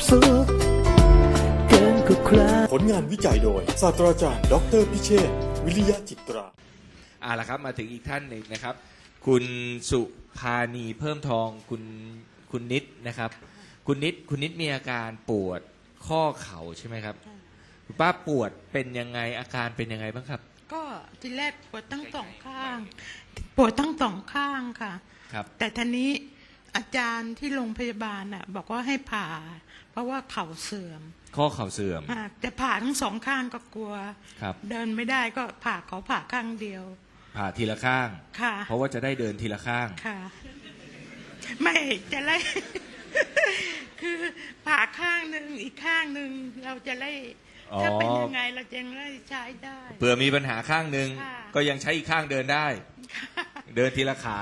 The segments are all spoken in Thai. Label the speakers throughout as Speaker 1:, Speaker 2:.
Speaker 1: สุขเกินกว่าใคร
Speaker 2: ผลงานวิจัยโดยศาสตราจารย์ดออเตอร์พิเชษฐ์วิริยะจิตรา
Speaker 3: ล่ะครับมาถึงอีกท่านหนึ่งนะครับ คุณสุภานีเพิ่มทองคุณนิดนะครับ คุณนิดมีอาการปวดข้อเข่าใช่ไหมครับคุณป้าปวดเป็นยังไงอาการเป็นยังไงบ้างครับ
Speaker 4: ก็ทีแรกปวดทั้งสองข้าง ปวดทั้งสองข้างค่ะ
Speaker 3: ครับ
Speaker 4: แต่ทีนี้อาจารย์ที่โรงพยาบาลน่ะบอกว่าให้ผ่า เพราะว่าเข่าเสื่อม
Speaker 3: ข้อเข่าเสื่อม
Speaker 4: แต่ผ่าทั้งสองข้างก็กลัว
Speaker 3: ครับ
Speaker 4: เดินไม่ได้ก็ผ่าข้างเดียว
Speaker 3: ผ่าทีละข้าง
Speaker 4: ค่ะ
Speaker 3: เพราะว่าจะได้เดินทีละข้าง
Speaker 4: ค่ะ ไม่จะไล่ คือผ่าข้างหนึ่งอีกข้างหนึ่งเราจะไล่
Speaker 3: อ๋อ
Speaker 4: ถ้าเป็นยังไงเราจะไล่ใช้ได้
Speaker 3: เผื่อมีปัญหาข้างหนึ่ง
Speaker 4: ค่ะ
Speaker 3: ก็ยังใช้อีกข้างเดินได้ เดินทีละขา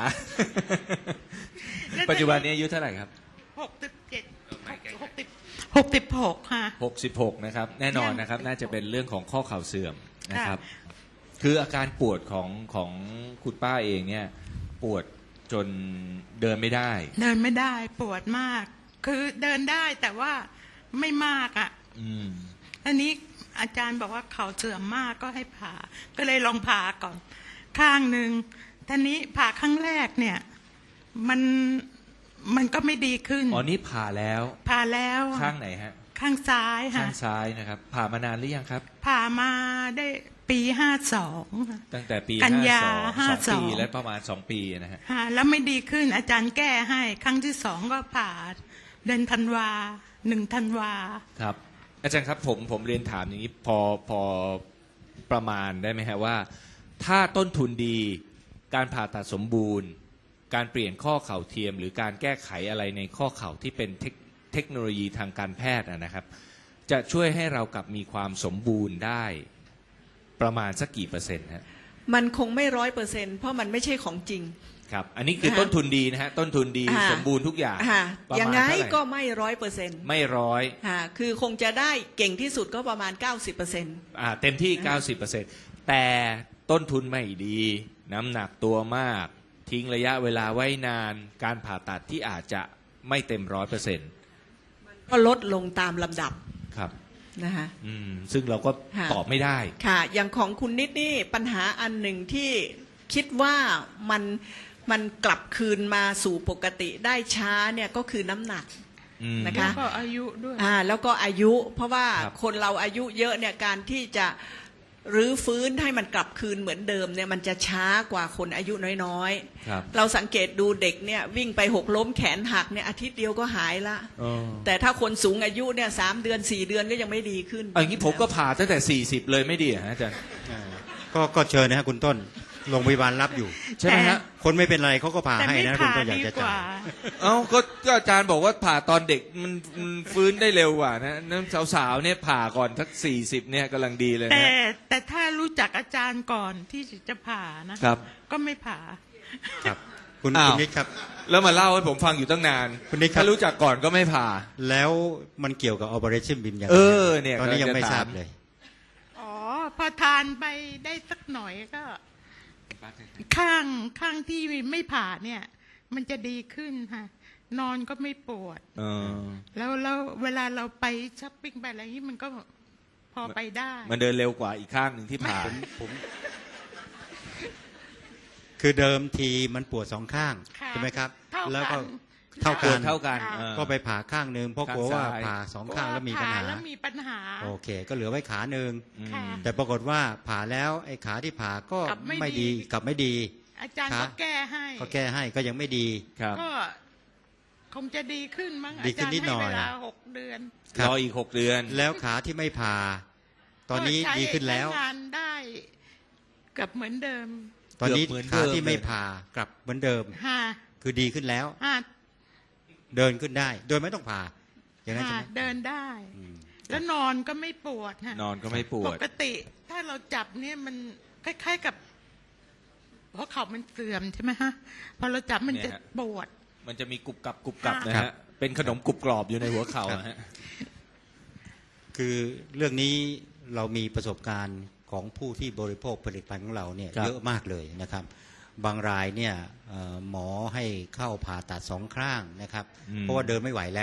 Speaker 3: ปัจจุบันนี้อายุเท่าไหร่ครับ
Speaker 4: 66ค่ะ
Speaker 3: 66นะครับแน่นอนนะครับน่าจะเป็นเรื่องของข้อเข่าเสื่อมนะครับ คืออาการปวดของคุณป้าเองเนี่ยปวดจนเดินไม่ได้
Speaker 4: เดินไม่ได้ปวดมาก คือเดินได้แต่ว่าไม่มากอ่ะ
Speaker 3: อืม
Speaker 4: อันนี้อาจารย์บอกว่าเขาเสื่อมมากก็ให้ผ่า ก็เลยลองผ่าก่อน ข้างหนึ่งทีนี้ผ่าครั้งแรกเนี่ยมันก็ไม่ดีขึ้น
Speaker 3: อ๋อนี่ผ่าแล้ว
Speaker 4: ผ่าแล้ว
Speaker 3: ข้างไหนฮะ
Speaker 4: ข้างซ้าย
Speaker 3: ข้า
Speaker 4: ค่ะ
Speaker 3: งซ้ายนะครับ ผ่ามานานหรือยังครับ
Speaker 4: ผ่ามาได้ปี52ค่ะ
Speaker 3: ตั้งแต่ปี
Speaker 4: กันยา
Speaker 3: 52 2 ปี
Speaker 4: 52
Speaker 3: และประมาณ2 ปีนะฮะ
Speaker 4: แล้วไม่ดีขึ้นอาจารย์แก้ให้ ครั้งที่2ก็ผ่าเดือนธันวา1 ธันวา
Speaker 3: ครับ อาจารย์ครับผมเรียนถามอย่างนี้พอประมาณได้ไหมฮะว่า ถ้าต้นทุนดีการผ่าตัดสมบูรณ์ การเปลี่ยนข้อเข่าเทียม หรือการแก้ไขอะไรในข้อเข่าที่เป็นเทคโนโลยีทางการแพทย์นะครับ จะช่วยให้เรากลับมีความสมบูรณ์ได้ประมาณสักกี่เปอร์เซ็นต์ฮะ
Speaker 5: มันคงไม่100%เพราะมันไม่ใช่ของจริง
Speaker 3: ครับ อันนี้คือต้นทุนดีนะฮะต้นทุนดีสมบูรณ์ทุกอย่าง ประ
Speaker 5: อย่าง
Speaker 3: มาณ
Speaker 5: ไง
Speaker 3: เท่าไหร่
Speaker 5: ก็ไม่100%
Speaker 3: ไม่ร้อย
Speaker 5: คือคงจะได้เก่งที่สุดก็ประมาณ 90%
Speaker 3: เต็มที่ 90%แต่ต้นทุนไม่ดี น้ำหนักตัวมาก ทิ้งระยะเวลาไว้นาน การผ่าตัดที่อาจจะไม่เต็ม100%
Speaker 5: ก็ลดลงตามลำดับ
Speaker 3: ครับ
Speaker 5: นะคะ
Speaker 3: ซึ่งเราก็
Speaker 5: ค่ะ
Speaker 3: ตอบไม่ได้
Speaker 5: ค่ะ อย่างของคุณนิดนี่ปัญหาอันหนึ่งที่คิดว่ามันกลับคืนมาสู่ปกติได้ช้าเนี่ยก็คือน้ำหนัก นะคะ
Speaker 4: แล้วก็อายุด้วย
Speaker 5: แล้วก็อายุเพราะว่า
Speaker 3: ครับ
Speaker 5: คนเราอายุเยอะเนี่ยการที่จะรื้อฟื้นให้มันกลับคืนเหมือนเดิมเนี่ยมันจะช้ากว่าคนอายุน้อย
Speaker 3: ครับ
Speaker 5: ๆเราสังเกตดูเด็กเนี่ยวิ่งไปหกล้มแขนหักเนี่ยอาทิตย์เดียวก็หายละ
Speaker 3: อ๋อ
Speaker 5: แต่ถ้าคนสูงอายุเนี่ย3 เดือน 4 เดือนก็ยังไม่ดีขึ้น
Speaker 3: อย่างนี้ผมก็ผ่าตั้งแต่40เลยไม่ดีเหรอฮะอาจารย์
Speaker 6: ก็เชิญนะฮะคุณต้นโรงพยาบาลรับอยู่
Speaker 3: ใช่ไหมฮะ
Speaker 6: คนไม่เป็นไรเขาก็ผ่า
Speaker 4: แต่
Speaker 6: ให้
Speaker 4: ไม่
Speaker 6: นะคุณ
Speaker 4: ผ่า
Speaker 6: ต้นอยาก
Speaker 4: ดี
Speaker 6: จะ
Speaker 4: ก
Speaker 6: จ่า
Speaker 4: ว่า
Speaker 6: ย
Speaker 3: ก็อาจารย์บอกว่าผ่าตอนเด็กมันฟื้นได้เร็วกว่านะนั่นสาวๆเนี่ยผ่าก่อนทัก40เนี่ยกำลังดีเลย
Speaker 4: แต่
Speaker 3: นะ
Speaker 4: แต่ถ้ารู้จักอาจารย์ก่อนที่จะผ่านะครับ ก็ไม่ผ่า
Speaker 6: ครับคุณ
Speaker 3: อ้าว
Speaker 6: นิดครับ
Speaker 3: แล้วมาเล่าให้ผมฟังอยู่ตั้งนาน
Speaker 6: คุณนิดครับ
Speaker 3: ถ้ารู้จักก่อนก็ไม่ผ่า
Speaker 6: แล้วมันเกี่ยวกับ Operation BIM ยังไง
Speaker 3: เนี่ย
Speaker 6: ตอนนี้ยังไม่
Speaker 3: กำลังจะ
Speaker 6: ทราบ
Speaker 3: ถาม
Speaker 6: เลย
Speaker 4: อ๋อ พอทานไปได้สักหน่อยก็ ข้างที่ไม่ผ่าเนี่ย มันจะดีขึ้นค่ะ นอนก็ไม่ปวด
Speaker 3: เออ
Speaker 4: แล้วเวลาเราไปช้อปปิ้งไปอะไรนี้มันก็พอไปได้
Speaker 3: มันเดินเร็วกว่าอีกข้างหนึ่งที่ผ่า
Speaker 6: คือเดิมทีมันปวดสองข้าง
Speaker 4: ค่ะ
Speaker 6: ใช่ไหมครับ
Speaker 4: เท่ากัน
Speaker 6: แล้วก็
Speaker 3: เท่า
Speaker 6: เท่ากัน
Speaker 3: เท่ากัน
Speaker 4: ค่ะ
Speaker 6: ก็ไปผ่าข้างหนึ่งเพราะกลัวว่า
Speaker 3: ข้างซ้าย
Speaker 6: ผ่าสองข้างแล้วมีปัญหา
Speaker 4: แล้วมีปัญหา
Speaker 6: โอเค ก็เหลือไว้ขาหนึ่ง
Speaker 4: ค่ะ
Speaker 6: แต่ปรากฏว่าผ่าแล้วไอ้ขาที่ผ่าก็
Speaker 4: กลับไม่
Speaker 6: ไม่
Speaker 4: ดี
Speaker 6: ดีกลับไม่ดี
Speaker 4: อาจารย์
Speaker 6: ครั
Speaker 4: ก็
Speaker 6: บ
Speaker 4: แก้ให้
Speaker 6: ก็แก้ให้ก็ยังไม่ดี
Speaker 3: ครับ
Speaker 4: ก็คงจะดีขึ้นมั้ง
Speaker 6: ดี
Speaker 4: อา
Speaker 6: ขึ้
Speaker 4: จาน รย์
Speaker 6: นิดหน่
Speaker 4: ให้
Speaker 6: อย
Speaker 4: เวลา6 เดือน
Speaker 6: ครับ
Speaker 3: รออีก6 เดือน
Speaker 6: แล้วขาที่ไม่ผ่า ตอนนี้
Speaker 4: ก็ใช้
Speaker 6: ดีขึ้นแล้ว
Speaker 4: ใช้งานได้เกับเหมือนเดิม
Speaker 6: ตอนนี้
Speaker 3: เกือบเหมือนเดิ
Speaker 6: ขาม ที่ไม่
Speaker 3: เลย
Speaker 6: ผ่ากลับเหมือนเดิม
Speaker 4: ฮ่า
Speaker 6: คือดีขึ้นแล้ว
Speaker 4: ฮ่า
Speaker 6: เดินขึ้นได้ โดยไม่ต้องผ่า อย่างนั้นใช่
Speaker 4: ฮ่า
Speaker 6: ไหม
Speaker 4: เดินได้
Speaker 6: อืม
Speaker 4: แล้วนอนก็ไม่ปวดฮะ
Speaker 3: นอนก็ไม่ปว
Speaker 4: ป
Speaker 3: ด
Speaker 4: กติถ้าเราจับเนี่ยมันคล้ายๆกับเพราะเขามันเสื่อมใช่ไหมฮะพอเราจับมัน
Speaker 3: เนี่
Speaker 4: จะ
Speaker 3: ยฮะ
Speaker 4: ปวด
Speaker 3: มันจะมีกรุบกรับกรุบกรับ
Speaker 4: ค่ะ
Speaker 3: นะฮะเป็นขนมกรุบกรอบอยู่ในหัวเข่าอะฮะ
Speaker 6: คือเรื่องนี้เรามีประสบการณ์ของผู้ที่บริโภคผลิตภัณฑ์ของเราเนี่ย
Speaker 3: ครับ
Speaker 6: เยอะมากเลยนะครับ บางรายเนี่ยหมอให้เข้าผ่าตัดสองข้างนะครับ เพราะว่าเดินไม่ไหวแล้ว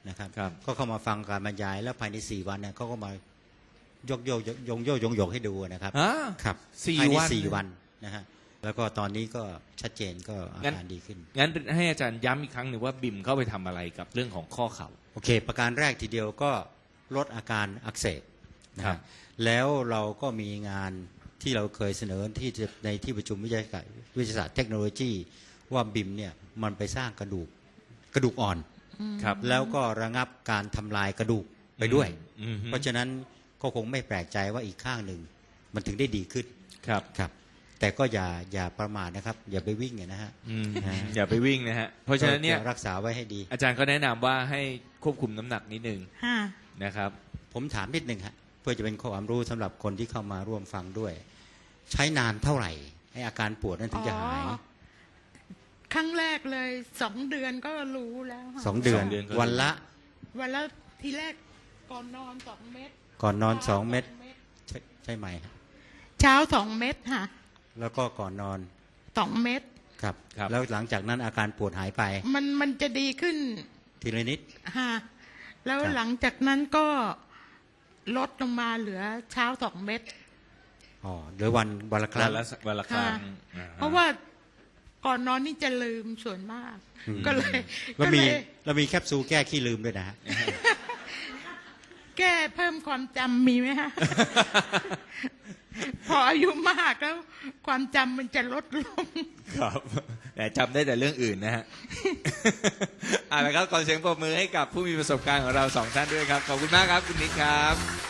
Speaker 6: นะครับ
Speaker 3: ครับ
Speaker 6: ก็เข้ามาฟังการบรรยายแล้วภายใน4 วันเนี่ยเขาก็มายกยกให้ดูนะครับ
Speaker 3: อ่า
Speaker 6: ครับ
Speaker 3: สี่
Speaker 6: ภายใน
Speaker 3: วัน
Speaker 6: 4 วันนะฮะแล้วก็ตอนนี้ก็ชัดเจนก็อาการดีขึ้น
Speaker 3: งั้นให้อาจารย์ย้ำอีกครั้งหนึ่งว่าบิมเข้าไปทำอะไรกับเรื่องของข้อเข่า
Speaker 6: โอเค ประการแรกทีเดียวก็ลดอาการอักเสบนะ
Speaker 3: ครั
Speaker 6: ฮะ
Speaker 3: บ
Speaker 6: แล้วเราก็มีงานที่เราเคยเสนอในที่ประชุมวิทยาศาสตร์เทคโนโลยีว่าบิมเนี่ยมันไปสร้างกระดูกอ่อน
Speaker 3: ครับ
Speaker 6: แล้วก็ระงับการทำลายกระดูกไปด้วย
Speaker 3: อืม
Speaker 6: เพราะฉะนั้นก็คงไม่แปลกใจว่าอีกข้างหนึ่งมันถึงได้ดีขึ้น
Speaker 3: ครับ
Speaker 6: ครับ แต่ก็อย่าประมาทนะครับ อย่าไปวิ่งนะฮะ
Speaker 3: อย่าไปวิ่งนะฮะ เพราะฉะนั้นเนี่ย
Speaker 6: ก็รักษาไว้ให้ดี
Speaker 3: อาจารย์ก็แนะนำว่าให้ควบคุมน้ำหนักนิดนึง
Speaker 4: ค่ะ
Speaker 3: นะครับ
Speaker 6: ผมถามนิดหนึ่งฮะเพื่อจะเป็นความรู้สำหรับคนที่เข้ามาร่วมฟังด้วย ใช้นานเท่าไหร่ให้อาการปวดนั้นถึงจะหาย
Speaker 4: อ๋อ ครั้งแรกเลย2 เดือนก็รู้แล้วค่ะ
Speaker 6: 2 เดือน
Speaker 3: 2 เดือนก็
Speaker 6: วันละ
Speaker 4: วันละทีแรกก่อนนอน2 เม็ด
Speaker 6: ก่อนนอน2 เม็ดใช่ไหมฮะ
Speaker 4: เช้า2 เม็ดค่ะ
Speaker 6: แล้วก็ก่อนนอน
Speaker 4: 2 เม็ด
Speaker 6: ครับ
Speaker 3: ครับ
Speaker 6: แล้วหลังจากนั้นอาการปวดหายไป
Speaker 4: มันจะดีขึ้น
Speaker 6: ทีละนิด
Speaker 4: ค่ะแล้ว
Speaker 6: ครับ
Speaker 4: หลังจากนั้นก็ลดลงมาเหลือเช้า2 เม็ด
Speaker 6: อ๋อหรือวันละครั้
Speaker 3: วั
Speaker 6: ง
Speaker 3: นละครั้ง
Speaker 4: ค่ะ
Speaker 3: อ่า
Speaker 4: เพราะว่าก่อนนอนนี่จะลืมส่วนมาก ก็เลย
Speaker 6: แล้วมีแคปซูลแก้ขี้ลืมด้วยนะฮะ
Speaker 4: แก้เพิ่มความจำมีไหมฮะ พออายุมากแล้ว ความจำมันจะลดลง
Speaker 3: ครับแต่จำได้แต่เรื่องอื่นนะฮะ เอาละครับขอเสียงปรบมือให้กับผู้มีประสบการณ์ของเรา2 ท่านด้วยครับ ขอบคุณมากครับคุณนิดครับ